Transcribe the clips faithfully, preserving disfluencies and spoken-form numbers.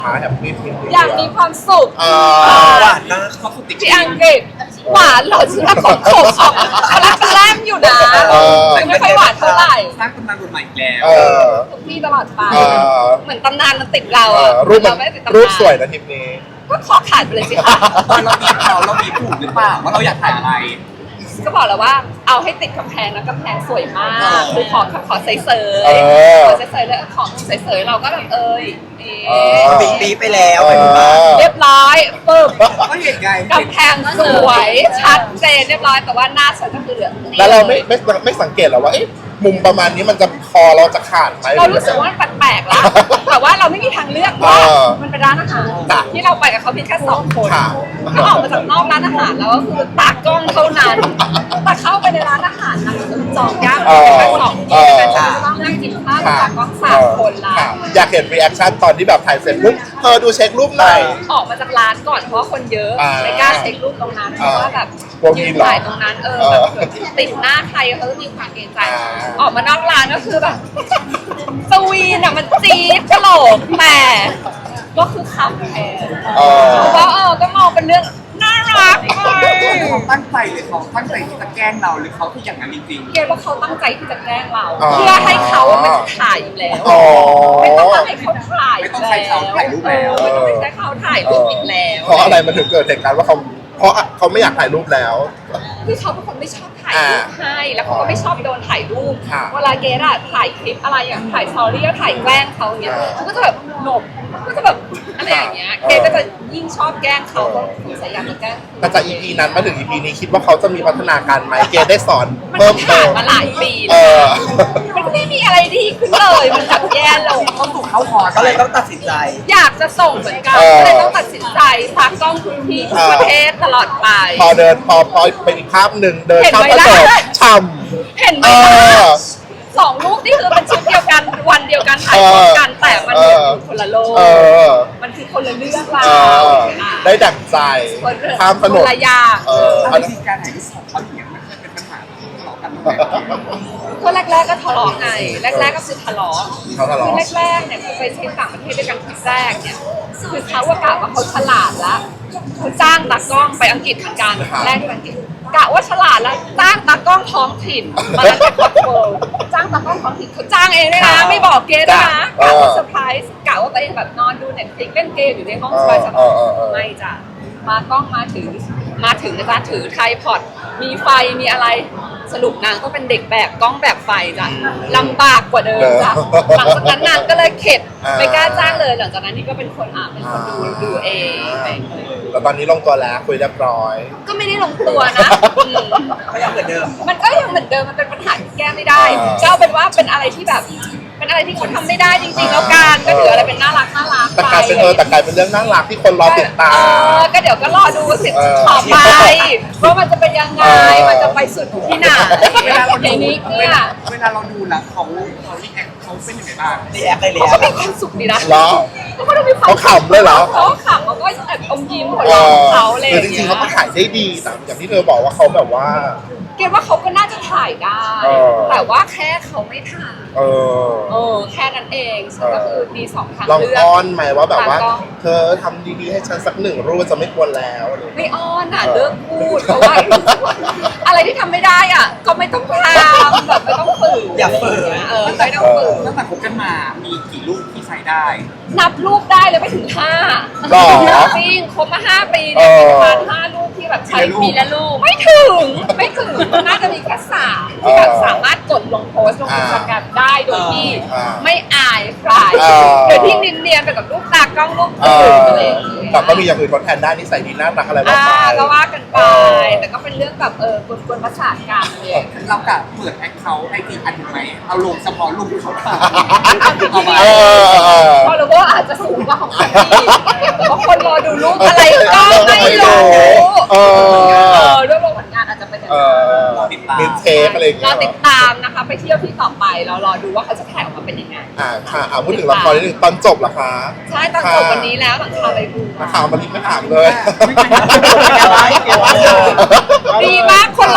หาแฮปปี้ทิ้งอยากมีความสุขหวานมากเขาสุดติดที่อังกฤษหวานเหรอฉันว่าของขมออกคาราคาแรมอยู่นะแต่ไม่ค่อยหวานเท่าไหร่สร้างตำนานบทใหม่อีกแล้วเออทุกที่ตลอดไปเออเหมือนตำนานมันติดเราเออะอรูปมันเราไม่ได้ติดตำนานรูปสวยนะทริปนี้ก็ขอขาดไปเลยสิคะตอนเรามีเราเรามีผูกหรือเปล่าว่าเราอยากถ่ายอะไรก็บอกแล้วว่าเอาให้ติดกำแพงแล้วกำแพงสวยมากคือขอขอใสเสยเออขอใสเสยแล้วของใสเสยเราก็แบบเอ้ยเอ๊เออะปีปีไปแล้วเออเรียบร้อยปึ๊บก็เห็นไงกำแพงสวยชัดเจนเรียบร้อยแต่ว่าหน้าฉันก็คือเหลืองแล้วเราไม่ไม่ไม่สังเกตหรอว่าเอ๊ะมุมประมาณนี้มันจะคอเราจะขาดไหมเรารู้สึกว่ามันแปลกๆแล้วแต่ว่าเราไม่มีทางเลือกว่าเออมันเป็นร้านอาหารค่ะที่เราไปกับเขาเพียงแค่สองคนค่ะก็ออกมาจากนอกร้านอาหารแล้วก็คือตากล้องเท่านั้นแต่เข้าไปในร้านอาหารนะคือจองยากเออแค่สองเอที่อแต่ฉันจะต้องนั่งกินข้าวกับตากล้องสามคนละค่ะอยากเห็นรีแอคชั่นตอนที่แบบถ่ายเสร็จปุ๊บเธอดูเช็ครูปหน่อยออกมาจากร้านก่อนเพราะว่าคนเยอะอ่าไม่กล้าเช็ครูปตรงนั้นเพราะว่าแบบกลัวมียืนเหรอถ่ายตรงนั้นเออเออแบบติดหน้าใครเขาจะมีความเกรงใจอ่าออกมานอกร้านก็คือแบบสวีนอ่ะมันจี๊ดกระโหลกแต่ก็คือคำแทนเออเพราะว่าเออก็มองเป็นเรื่องน่ารักไปเขาตั้งใจหรือเขาตั้งใจที่จะแกล้งเราหรือเขาคืออย่างนั้นจริงเกรดว่าเขาตั้งใจที่จะแกล้งเราอ๋อเพื่อให้เขาอะมันถ่ายอยู่แล้วอ๋อไม่ต้องมาให้เขาถ่ายไม่ต้องใช้เขาถ่ายรูปแล้วเออไม่ต้องไปใช้เขาถ่ายรูปอีกแล้วเพราะอะไรมันถึงเกิดเหตุการณ์ว่าเขาเพราะเขาไม่อยากถ่ายรูปแล้วคือเขาเป็นคนไม่ชอบถ่ายรูปให้แล้วเขาก็ไม่ชอบโดนถ่ายรูปค่ะเวลาเกดอะถ่ายคลิปอะไรอย่างถ่ายสตอรี่แล้วถ่ายแกล้งเขาอย่างเงี้ยอ่าเขาก็จะแบบหนบก็จะแบบอะไรอย่างเงี้ยเออเกดก็จะยิ่งชอบแกล้งเขาก็สงสัยอยากจะแกล้งแต่จาก อี พี นั้นมาถึง อี พี นี้คิดว่าเขาจะมีพัฒนาการไหมเกดได้สอนมันเพิ่มผ่าเตินมมาหลายปีเอแล้วอมันไม่มีอะไรดีขึ้นเลย มันกลับแย่ลงๆเขาถูกเขาคอก็เลยต้องตัดสินใจอยากจะส่งเหมือนกันเออก็เลยต้องตัดสินใจพากล้องทุกที่ทุกประเทศตลอดไปพอเดินพอพอเป็นอีกภาพหนึ่งเดินเห็นข้ามไหมกระจกล่ะช่เห็นไหมเออคะสองรูปนี่คือเป็นชุดเดียวกันวันเดียวกันถ่ายพร้อมกันแต่มันเหมือนอยู่คนละโลำเอก อมันคือคนละเรื่องราเอวอ ได้ดั่งใจคนละข้ามถนคน นละอย่างเออเอาจริงๆการถ่ายรูปของเขาอย่างเงี้ยมันเคยเป็นปัญหาทะเลาะกันตั้งแต่ก็แรกๆก็ทะเลาะไงแรกๆก็คือทะเลาะเขาทะเลาะคือแรกๆเนี่ยคือไปเที่ยวต่างประเทศด้วยกันทีแรกเนี่ยคือเขาว่ากะว่าเขาฉลาดแล้วคือจ้างตากล้องไปอังกฤษเหมือนกันแรกที่ไปอังกฤษกะว่าฉลาดแล้วจ้างตากล้องท้องถิ่นมาแล้วจากคอนโทรจ้างตากล้องท้องถิ่นเขาจ้างเองด้วยนะไม่บอกเกดด้วยนะกะว่าเซอร์ไพรส์กะว่าตัวเองแบบนอนดูเน็ตฟลิกเล่นเกมอยู่ในห้องสบายสบายไม่จ้ะมากล้องมาถึงมาถึงนะจ๊ะถือไทรพอดมีไฟมีอะไรสรุปนางก็เป็นเด็กแบกกล้องแบกไฟจ้ะลำบากกว่าเดิมจ้ะหลังจากนั้นนางก็เลยเข็ดไม่กล้าจ้างเลยหลังจากนั้นนี่ก็เป็นคนอ่ะเป็นคนดูดูเองอะไรอย่างเงี้ยแล้วตอนนี้ลงตัวแล้วคุยเรียบร้อยก็ไม่ได้ลงตัวนะอืมก็ยังเหมือนเดิมมันก็ยังเหมือนเดิมมันเป็นปัญหาที่แก้ไม่ได้อ่าก็เอาเป็นว่าเป็นอะไรที่แบบ เป็นอะไรที่เขาทำไม่ได้จริงๆแล้วกันก็ถืออะไรเป็นน่ารักน่ารักแต่ไปกลายเป็นเออแต่กลายเป็นเรื่องน่ารักที่คนรอติดตาเอมอก็เดี๋ยวก็รอดูสิเออต่อไปว่ามันจะเป็นยังไงเออมันจะไปสุดที่ไหนเวลาเราในดูนี้เวเนี่ยลาเวลาเราดูแล้วเขาเขารีแอคเขาเป็นยังไงบ้างรีแอคเลยรีเขาแอก็คมีความสุขดีนะเหรอเขาก็ดูมีความเขาขำเลยเหรอเขาขำเขาก็แอบอมยิ้มหัวเอเราะอของเขาอะไรอคือย่าง จริเงี้งๆยเขาก็ถ่ายได้ดีแต่อย่างที่เธอบอกว่าเขาแบบว่าเกดว่าเขาก็น่าจะถ่ายได้เออแต่ว่าแค่เขาไม่ถ่ายเออเออแค่นั้นเองซึ่งก็คือมีสองทางลองเลือกอ้อนไหมว่าแบบว่าตากล้องเธอทำดีๆให้ฉันสักหนึ่งรูปจะไม่ควรแล้วอะไรอย่างเงี้ยไม่อ้อนอ่ะเลิกพูดเพราะว่ารู้สึกว่าอะไรที่ทำไม่ได้อ่ะ ก็ไม่ต้องทำแบบไม่ต้องฝืนอย่าฝืนเออไม่ต้องฝืนตั้งแต่คบกันมามีกี่รูปที่ใส่ได้นับรูปได้เลยไม่ถึงห้าหรอจริงคบมาห้าปีเนี่ยเออมีประมาณห้ารูปที่แบบใช้มีละรูปไม่ถึงไม่ถึงน่าจะมีแค่สามที่แบบเออสามารถกดลงโพสต์ลงอ่าอินสตาแกรมได้โดยที่อ่าไม่อายใครเออโดยที่เนียนๆไปกับรูปตากล้องรูปเออื่อนอะไรอย่างเงี้ยแต่ก็มีอย่างอื่นทดแทนได้นิสัยดีน่ารักอะไรบ้างอ่าไปก็ว่ากันไปเออแต่ก็เป็นเรื่องแบบเออกวนๆประสาทกันเลยเรากะเปิดแอคเคาท์ไอจีอันหนึ่งไหมเอาลงเฉพาะรูปที่เขาถ่ายเอามาเออเออเพราะรู้ว่าอาจจะสูงกว่าของคนที่เพราะคนรอดูรูปอะไรก็ไม่รู้เออเออด้วยรวมผลงานอาจจะเป็นอย่างเอนั้นอมีเทปอะไรอย่างรเงี้อย ติดตามนะคะ ไปเที่ยวที่ต่อไปเรารอดูว่าเขาจะถ่ายออกมาเป็นยังไงอ่าค่ะอ่าพูดถึงละครนิดนึงตอนจบเหรอคะใช่ตอนจบวันนี้แล้วหลังคาอะไรดูนักข่าวมารีบไม่ถามเลยไม่เป็นไรดีมากคนรอดู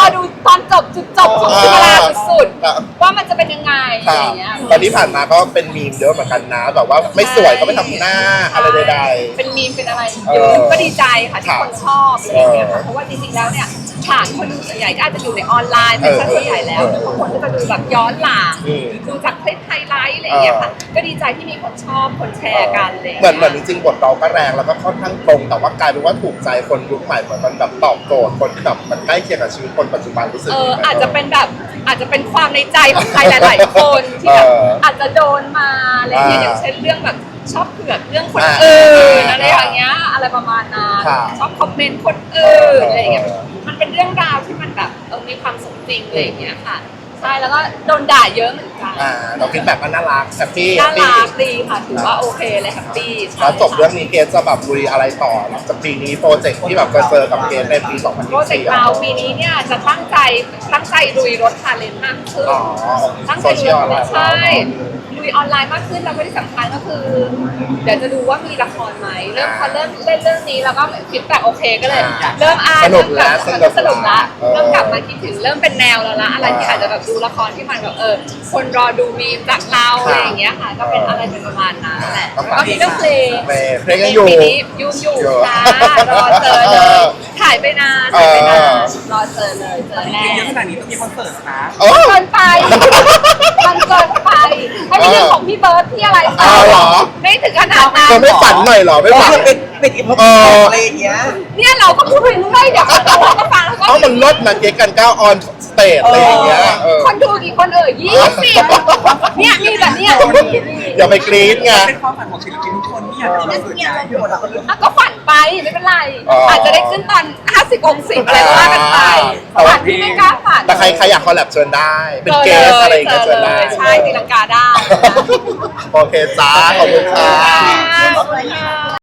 ตอนจบจุดจบของเวลาสุดครับๆว่ามันจะเป็นยังไงอะคไรรัอบ ย่างเงี้ยตอนที่ผ่านมาก็เป็นมีมเยอะเหมือนกันนะแบบว่าไม่สวยก็ไม่ทำหน้าอะไรใดเป็นมีมเป็นอะไรเอเยออะก็ดีใจค่ะที่ครับคนชอบอะไรอย่างเงี้ยเอค่ะอเพราะว่าจริงๆแล้วเนี่ยฐานคนดูส่วนใหญ่ก็อาจจะอยู่ในออนไลน์เป็นซะส่วนใหญ่แล้วเออบางคนก็จะดูแบบย้อนหลังอืมดูจากคลิปไฮไลท์อะไรอย่างเงี้ยค่ะเออก็ดีใจที่มีคนชอบคนแชร์กันอะไรอย่างเหมือนเหมืเงี้อนยจริงๆบทเราก็แรงแล้วก็ค่อนข้างตรงแต่ว่ากลายเป็นว่าถูกใจคนยุคใหม่เหมือนมันแบบตอบโจทย์คนที่แบบมันใกล้เคียงกับชีวิตคนปัจจุบันรู้สึกเอดีอไหมอาจจะเป็นแบบอาจจะเป็นความในใจของใครหลาย ๆ คนที่แบบเอออาจจะโดนมาอะไรอย่างเงี้ยอ่าอย่างเช่นเรื่องแบบชอบเผือกเรื่องคนอ่าอื่นอ่าอะไรอย่างเงี้ยอะไรประมาณนั้นครับชอบคอมเมนต์คนอื่นเออออะไรอย่างเงี้ยมันเป็นเรื่องราวที่มันแบบเออมีความสมจริงอะไรอย่างเงี้ยค่ะใช่แล้วก็โดนด่าเยอะเหมือนกันอ่าเราคิดแบบว่าน่ารักแฮปปี้น่ารักดีค่ะถือว่าโอเคเลยแฮปปี้ใช่แล้วจบเรื่องนี้เกสจะแบบลุยอะไรต่อหลังจากปีนี้โปรเจกต์ที่แบบจะเจอกับเกสในปีสองพันโปรยี่เจสิกบต์เราปีนี้เนี่ยจะตั้งใจตั้งใจลุยรถคาเลนมากขึ้นอ๋อตั้งโซใจเชีลุยยลอะไรใช่ลุยออนไลน์มากขึ้นแล้วก็ที่สำคัญก็คือ เดี๋ยวจะดูว่ามีละครไหมเริ่มพอเริ่มเล่นเรื่องนี้แล้วก็คิดแบบโอเคก็เลย เริ่มอ่านสนุกแล้วเริ่มกลับสนุกสนุกละเออเริ่มกลับมาคิดถึงเริ่มเป็นแนวแล้วละอะไรที่อาจจะแบบดูละครที่มันแบบเออคนรอดูมีมจากเราอะไรอย่างเงี้ยค่ะ ก็เป็นอะไรเป็นประมาณนั้นแหละแล้วก็มีเรื่องเพลงเพลงยังอยู่ปีนี้ยุ่งอยู่อยู่ค่ะรอเจอเลยถ่ายไปนานถ่ายไปนานรอเจอเลยเจอแน่เยอะขนาดนี้ต้องมีคอนเสิร์ตนะโอ้เกินไป มันเกินไปให้เป็นเรื่องของพี่เบิร์ดพี่อะไรอ้าวเหรอไม่ถึงขนาดนั้นเธอไม่ฝันหน่อยเหรอไม่ฝันเป็นเป็นอีพเอออะไรอย่างเงี้ยเนี่ยเราก็พูดไปเรื่อยเดี๋ยวคนดูเขาก็ฟังแล้วก็เอ้ามันลดนะเกสกันก้าวออนสเตจอะไรอย่างเงี้ยเออคนดูกี่คนเอ่ยยี่สิบเนี่ยมีแบบเนี้ยอย่าไปกรี๊ดไงเป็นความฝันของศิลปินทุกคนที่อยากจะมาสุดใจอ่ะก็ฝันไปไม่เป็นไรอ๋อออาจจะได้ขึ้นตอนห้าสิบองศอะไรก็ว่ากันไปแต่ว่าฝันที่ไม่กล้าฝันแต่ใครใครอยากคอลแลบเชิญได้ เป็นเกสอะไรอย่างเงี้ยเจเชิอญเลได้ยใช่ตีลังกาได้โอเคจ้าขอบคุณค่ะขอบคุณค่ะ